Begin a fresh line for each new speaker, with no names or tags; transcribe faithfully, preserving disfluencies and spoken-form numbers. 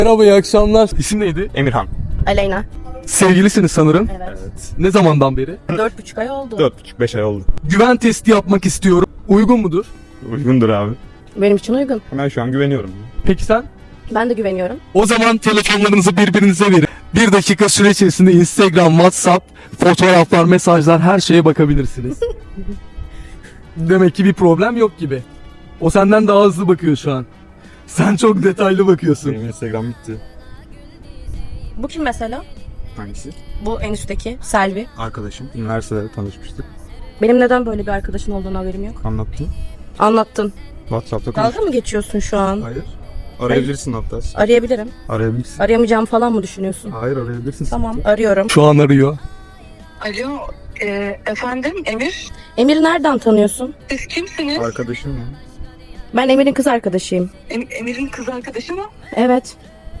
Merhaba, iyi akşamlar. İsim neydi?
Emirhan.
Aleyna.
Sevgilisiniz sanırım.
Evet.
Evet.
Ne zamandan beri?
Dört buçuk ay oldu.
Dört buçuk beş ay oldu.
Güven testi yapmak istiyorum. Uygun mudur?
Uygundur abi.
Benim için uygun.
Ben şu an güveniyorum.
Peki sen?
Ben de güveniyorum.
O zaman telefonlarınızı birbirinize verin. Bir dakika süre içerisinde Instagram, WhatsApp, fotoğraflar, mesajlar, her şeye bakabilirsiniz. Demek ki bir problem yok gibi. O senden daha hızlı bakıyor şu an. Sen çok detaylı bakıyorsun.
Benim Instagram bitti.
Bu kim mesela?
Hangisi?
Bu en üstteki Selvi.
Arkadaşım. Üniversitede tanışmıştık.
Benim neden böyle bir arkadaşın olduğunu haberim yok.
Anlattım.
Anlattın.
WhatsApp'ta konuştuk.
Dalga mı geçiyorsun şu an?
Hayır. Arayabilirsin hatta.
Arayabilirim.
Arayabilirsin.
Arayamayacağımı falan mı düşünüyorsun?
Hayır arayabilirsin.
Tamam, arıyorum.
Şu an arıyor.
Alo, e, efendim Emir,
Emir'i nereden tanıyorsun?
siz kimsiniz?
Arkadaşım ya.
Ben Emir'in kız arkadaşıyım.
Em- Emir'in kız arkadaşı mı?
Evet.